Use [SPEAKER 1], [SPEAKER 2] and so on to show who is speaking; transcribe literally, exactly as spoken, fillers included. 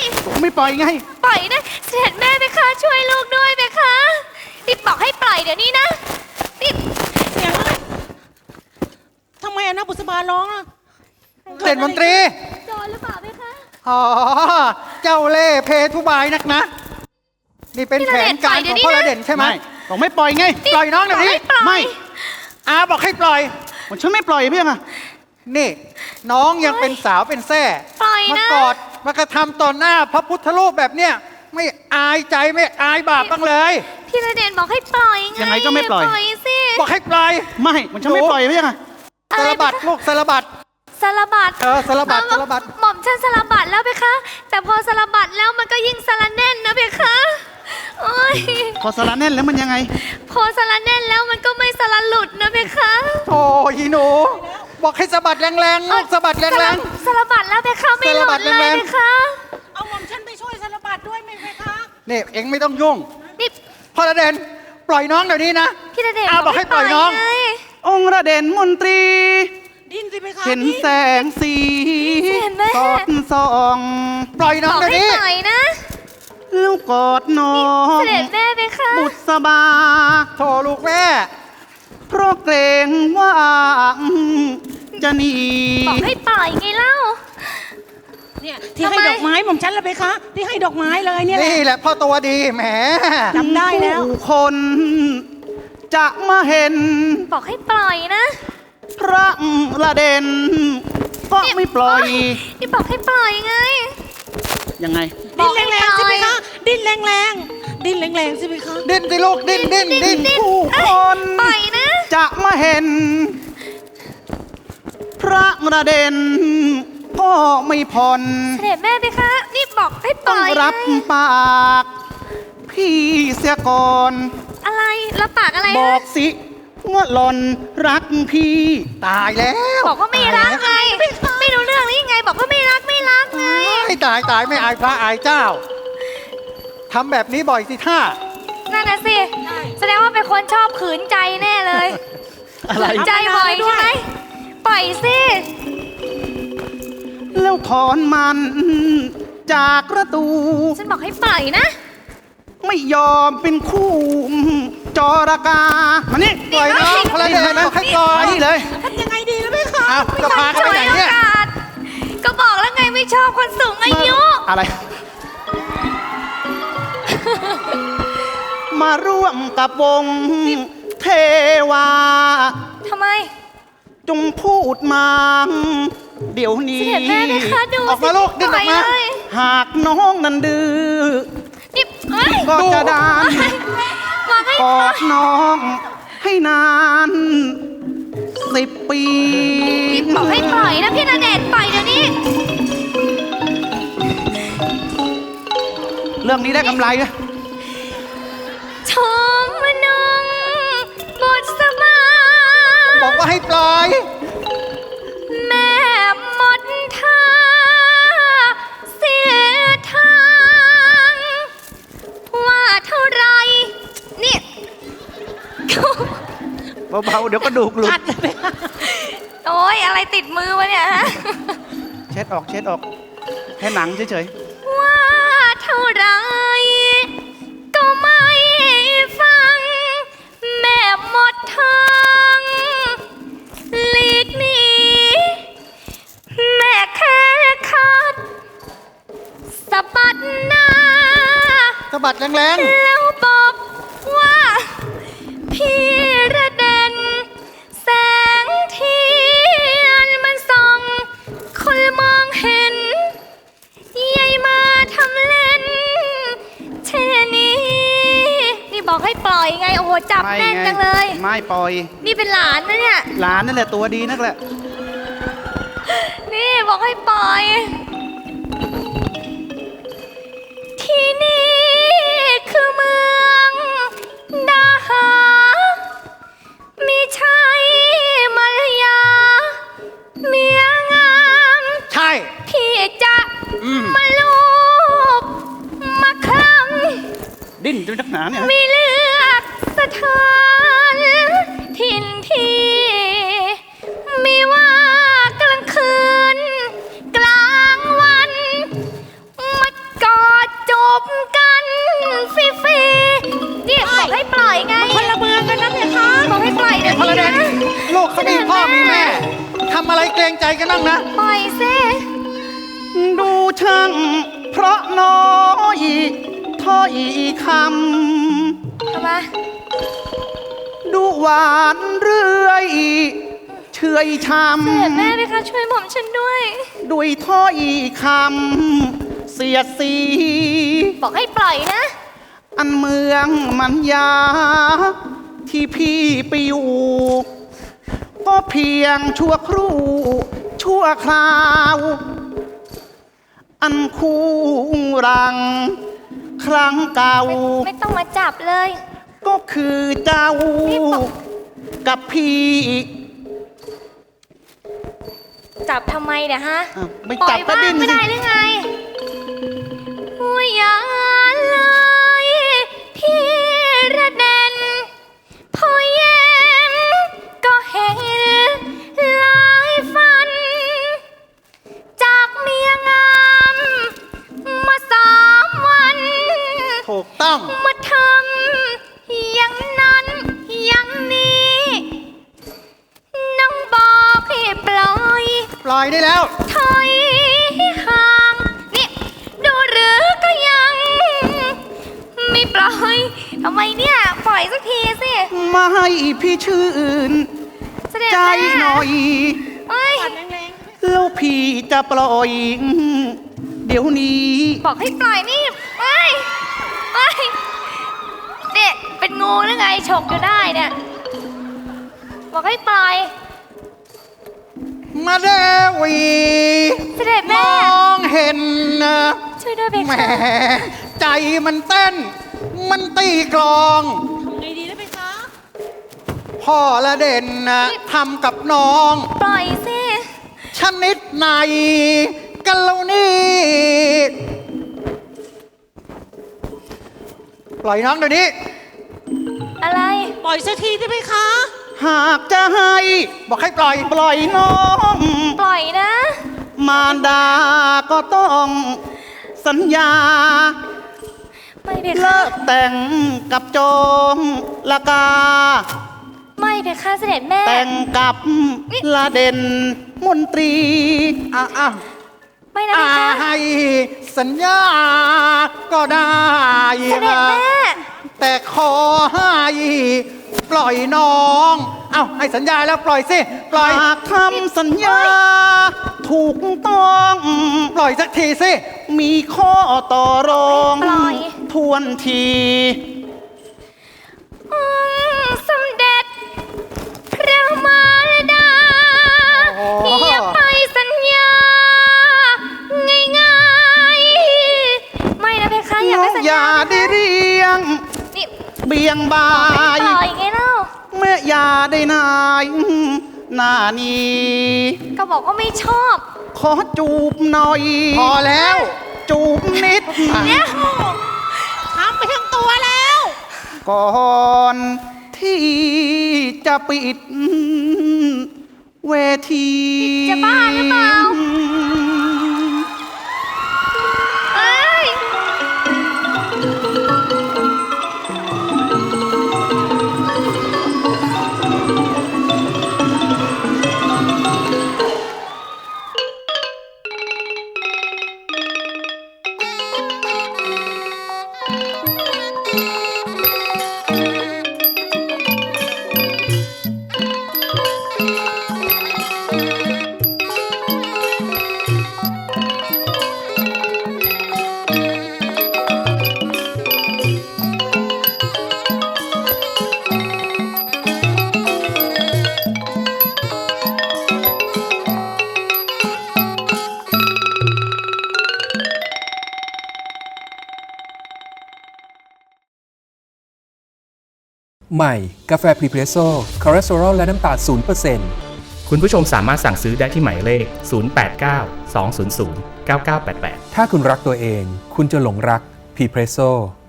[SPEAKER 1] ไม่ปล่อยไง
[SPEAKER 2] ปล่อยนะเสด็จแม่เพคะช่วยลูกด้วยเพคะรีบบอกให้ปล่อยเดี๋ยวนี้นะรีบ
[SPEAKER 3] เสียงอะไรทำไมอะนะบุษบาร้องอะ
[SPEAKER 1] เด่นมนตรี
[SPEAKER 2] โดนหรือเปล่าเพคะ
[SPEAKER 1] อ๋อเจ้าเล่ห์เพทุบายนักนะนี่เป็นแผนการของพ่อระเด่นใช่ไหมบอกไม่ปล่อยไงปล่อยน้องเดี๋ยวนี้ไม่อาบอกให้ปล่อยผมฉันไม่ปล่อยเพี่ยงอะนี่น้องยังเป็นสาวเป็นแส่มากอดมากระทำต่อหน้าพระพุทธรูปแบบเนี้ยไม่อายใจไม่อายบาปบ้างเลย
[SPEAKER 2] พี่ระเด่นบอกให้ปล่อยไง
[SPEAKER 1] ยังไงก็ไม่ปล่อย
[SPEAKER 2] สิ
[SPEAKER 1] บอกให้ปล่อยไม่ผมฉันไม่ปล่อยเพี่ยงอะสารบัดลูกสารบัด
[SPEAKER 2] สารบัด
[SPEAKER 1] เออสารบัดสารบัด
[SPEAKER 2] หม่อมฉันสารบัดแล้วเพคะแต่พอสารบัดแล้วมันก็ยิ่งสารแน่นนะเพคะโอ้ย
[SPEAKER 1] พอสารแน่นแล้วมันยังไง
[SPEAKER 2] พอสารแน่นแล้วมันก็ไม่สารหลุดนะเพคะ
[SPEAKER 1] โอ้ยหนูบอกให้สะบัดแรงๆลูกสะบัดแรง
[SPEAKER 2] ๆสารบัดแล้วเพคะไม่หลุดเลยเพคะ
[SPEAKER 3] เอาหม่อมฉันไปช่วยสารบัดด้วยไหมเพคะ
[SPEAKER 1] นี่เอ็งไม่ต้องยุ่งนี่พ่อระเด่นปล่อยน้องเดี๋ยวนี้นะ
[SPEAKER 2] พี่ระเด่น
[SPEAKER 1] อาบอกให้ปล่อยน้ององค์ระเด่นมนตรี
[SPEAKER 3] ดิ้นสิเพคะ
[SPEAKER 1] เห็นแสงสีสอดส่องปล่อยน้องเดี๋ยวนี้
[SPEAKER 2] ปล่อยนะ
[SPEAKER 1] ลูกกอดน้อง
[SPEAKER 2] เสด็จแม่เพคะ
[SPEAKER 1] บุษบาโทรลูกแม่เพราะเกรงว่าจะหนี
[SPEAKER 2] บอกให้ปล่อยไงเล่า
[SPEAKER 3] เนี่ยที่ให้ดอกไม้หม่อมฉันละเพคะที่ให้ดอกไม้เลยเนี่ย
[SPEAKER 1] นี่แหละพ่อตัวดีแหม
[SPEAKER 3] จำได้แล้ว
[SPEAKER 1] คนจะมาเห็น
[SPEAKER 2] บอกให้ปล่อยนะ
[SPEAKER 1] พระระเด่นก็ไม่ปล่อย
[SPEAKER 2] นี่บอกให้ปล่อยไง
[SPEAKER 1] ยังไง
[SPEAKER 3] ดิ้นแรงๆสิเพคะดิ้นแรงๆดิ้นแรงๆสิเพคะ
[SPEAKER 1] ดิ้นสิลูกดิ้นดิ้นดิ้นผู้คน
[SPEAKER 2] ปล่อยนะ
[SPEAKER 1] จะมาเห็นพระระเด่นก็ไม่ผ่อน
[SPEAKER 2] เสด็จแม่เพคะนี่บอกให้ปล่อย
[SPEAKER 1] ต้องรับปากพี่เสียก่อน
[SPEAKER 2] อะไรรับปากอะไร
[SPEAKER 1] บอกสิว่าหล่อนรักพี่ตายแล้ว
[SPEAKER 2] บอกว่าไม่รักไงไม่รู้เรื่องหรือยังไงบอกว่าไม่รักไม่รักไง
[SPEAKER 1] ไม่ตายตายไม่อายพระอายเจ้าทำแบบนี้บ่อยสิท่า
[SPEAKER 2] นั่นน่ะสิแสดงว่าเป็นคนชอบขืนใจแน่เลยขืนใจบ่อยใช่ไหมปล่อยสิ
[SPEAKER 1] แล้วถอนมันจากประตู
[SPEAKER 2] ฉันบอกให้ปล่อยนะ
[SPEAKER 1] ไม่ยอมเป็นคู่จอรากามานี่ปล่อยน้องพระเด่นนะให้ปล่อยนี่เลย
[SPEAKER 3] ทำยังไงดีแล้วไหมคะ
[SPEAKER 1] อ้าวจะพาเขาไปไหนเนี่ย
[SPEAKER 2] ก็บอกแล้วไงไม่ชอบคนสูงอายุ
[SPEAKER 1] อะไรมาร่วมกับวงเทวา
[SPEAKER 2] ทำไม
[SPEAKER 1] จงพูดมาเดี๋ยวนี้ออกมาลูกดิ้นออกมาหากน้องนั้นดื้อก็จะดานกอดน้องให้นานสิบปี
[SPEAKER 2] บอกให้ปล่อยนะพี่ณเดชน์ปล่อยเดี๋ยวนี้
[SPEAKER 1] เรื่องนี้ได้กำไรนะ
[SPEAKER 2] ชมนงบทสมา
[SPEAKER 1] บอกว่าให้ปล่อย
[SPEAKER 2] แม่หมดท่าเสียทางว่าเท่าไรนี่
[SPEAKER 1] เบาๆเดี๋ยวก็ดูกหลุด
[SPEAKER 2] โอ้ยอะไรติดมือวะเนี่ยฮะ
[SPEAKER 1] เช็ดออกเช็ดออกแค่หนังเฉย
[SPEAKER 2] ๆว่าเท่าไรก็ไม่ฟังแม่หมดทางหลีกหนีแม่แค่ขาดสะบัดหน้า
[SPEAKER 1] สะบัดแรง
[SPEAKER 2] ๆแล้วบอกว่าพี่ระเด่นแสงเทียนมันส่องคนมองเห็นยายมาทำเล่นเช่นนี้นี่บอกให้ปล่อยไงโอ้โหจับแน่นจังเลย
[SPEAKER 1] ไม่ปล่อย
[SPEAKER 2] นี่เป็นหลานนะเนี่ย
[SPEAKER 1] หลานนั่นแหละตัวดีนักแหละ
[SPEAKER 2] นี่บอกให้ปล่อยที่นี่คือเมืองดาหามีชัยมัลยาเมียงาม
[SPEAKER 1] ใช่
[SPEAKER 2] พี่จะมาลูบมาคลั่ง
[SPEAKER 1] ดิ้นจนนักหนาเนี่ย
[SPEAKER 2] มีเลือกสถานถิ่นที่มีว่ากลางคืนกลางวันมา
[SPEAKER 1] อะไรเกรงใจกันบ้างนะ
[SPEAKER 2] ปล่อยสิ
[SPEAKER 1] ดูช่างเพราะน้อยถ้อยค
[SPEAKER 2] ทำไม
[SPEAKER 1] ำดูหวานเรื่อยเฉยช
[SPEAKER 2] เสด็จแม่ไหมคะช่วยหม่อมฉันด้วย
[SPEAKER 1] ำด้วยถ้อยคำเสียดสี
[SPEAKER 2] บอกให้ปล่อยนะ
[SPEAKER 1] อันเมืองมันยา ที่พี่ไปอยู่ก็เพียงชั่วครู่ชั่วคราว อันคู่รัง ครั้งเก่า
[SPEAKER 2] ไม่ไม่ต้องมาจับเลย
[SPEAKER 1] ก็คือเจ้า
[SPEAKER 2] นี่บอก
[SPEAKER 1] กับพี่
[SPEAKER 2] จับทำไมเนี่ยฮะ
[SPEAKER 1] อ้าวไม่
[SPEAKER 2] ปล่
[SPEAKER 1] จั
[SPEAKER 2] อบ ย
[SPEAKER 1] ก็
[SPEAKER 2] บ้า
[SPEAKER 1] ดิ้
[SPEAKER 2] ง
[SPEAKER 1] น
[SPEAKER 2] ไม่
[SPEAKER 1] สิ
[SPEAKER 2] ได้หรือไงหัวยาเลยพี่ระเด็นพอเย็นก็เห็นหลายฟัน จากเมียงามมาสามวัน
[SPEAKER 1] ถูกต้อง
[SPEAKER 2] มาทำอย่างนั้นอย่างนี้น้องบอกให้ปล่อย
[SPEAKER 1] ปล่อยได้แล้ว
[SPEAKER 2] ถอยห่างนี่ดูหรือก็ยัง ไม่ปล่อยทำไมเนี่ย ปล่อยสักทีสิ
[SPEAKER 1] มาให้พี่ชื่น
[SPEAKER 2] เสด็จ
[SPEAKER 1] ใจ
[SPEAKER 2] แม่
[SPEAKER 1] หน่อย
[SPEAKER 2] เอ้ย
[SPEAKER 1] แล้วพี่จะปล่อย เดี๋ยวนี้
[SPEAKER 2] บอกให้ปล่อยนี่เอ้ยเอ้ยเนี่ยเป็นงูหรือไงฉกอยู่ได้เนี่ย บอกให้ปล่อย
[SPEAKER 1] มาเดวี
[SPEAKER 2] เสด็จ
[SPEAKER 1] ม
[SPEAKER 2] แม่
[SPEAKER 1] องเห็นนะ
[SPEAKER 2] ช่วยด้วยเบ
[SPEAKER 1] แหม
[SPEAKER 2] ค่ะ
[SPEAKER 1] ใจมันเต้น มันตีกลอง
[SPEAKER 3] ทำไงดีได้ไหมคะ
[SPEAKER 1] พ่อละเด่นนะทำกับน้อง
[SPEAKER 2] ปล่อยสิ
[SPEAKER 1] ชนิดไหนกันแล้วนี่ปล่อยน้องเดี๋ยวนี้
[SPEAKER 2] อะไร
[SPEAKER 3] ปล่อยสักทีได้ไหมคะ
[SPEAKER 1] หากจะให้ บอกให้ปล่อยปล่อยน้อง
[SPEAKER 2] ปล่อยนะ
[SPEAKER 1] มารดาก็ต้องสัญญา
[SPEAKER 2] ไม่เบค่ะ
[SPEAKER 1] เลิกแต่งกับโจงละกา
[SPEAKER 2] ไม่เบค่ะเสด็จแม่
[SPEAKER 1] แต่งกับละเด่นมนตรีอ่ะอ่ะ
[SPEAKER 2] ไม่นะ
[SPEAKER 1] อ่ะ
[SPEAKER 2] เบค่ะ
[SPEAKER 1] ให้สัญญาก็ได้
[SPEAKER 2] เสด็จแม่
[SPEAKER 1] แต่ขอให้ปล่อยน้อง เอ้าให้สัญญาแล้วปล่อยสิ ปล่อยหากทำสัญญา ถูกต้อง ปล่อยสักทีสิ มีข้อต่อรอง
[SPEAKER 2] ปล่อย
[SPEAKER 1] ทวนที
[SPEAKER 2] องค์สมเด็จพระมารดา
[SPEAKER 1] โอ้โห
[SPEAKER 2] อย่าไปสัญญา ง่ายๆ ไม่นะเบค่ะอย่าไปสัญ
[SPEAKER 1] อย่า
[SPEAKER 2] ญา
[SPEAKER 1] ได้เรียง
[SPEAKER 2] นี่
[SPEAKER 1] เบี่ยงบา
[SPEAKER 2] ไม่
[SPEAKER 1] ย
[SPEAKER 2] ปล่อยไงเล่า
[SPEAKER 1] แม่อย่าได้นายหน้านี้
[SPEAKER 2] ก็บอกว่าไม่ชอบ
[SPEAKER 1] ขอจูบหน่อย พอแล้ว จูบนิด
[SPEAKER 2] เนี่ย
[SPEAKER 3] ทำไปทั้งตัวแล้ว
[SPEAKER 1] ก่อนที่จะปิดเวที
[SPEAKER 2] จะบ้าหรือเปล่า เอ้ย
[SPEAKER 4] ใหม่ กาแฟพรีเพรสโซ่คอเลสเตอรอลและน้ำตาล ศูนย์เปอร์เซ็นต์
[SPEAKER 5] คุณผู้ชมสามารถสั่งซื้อได้ที่หมายเลข ศูนย์ แปด เก้า สอง ศูนย์ ศูนย์ เก้า เก้า แปด แปด
[SPEAKER 4] ถ้าคุณรักตัวเอง คุณจะหลงรักพรีเพรสโซ่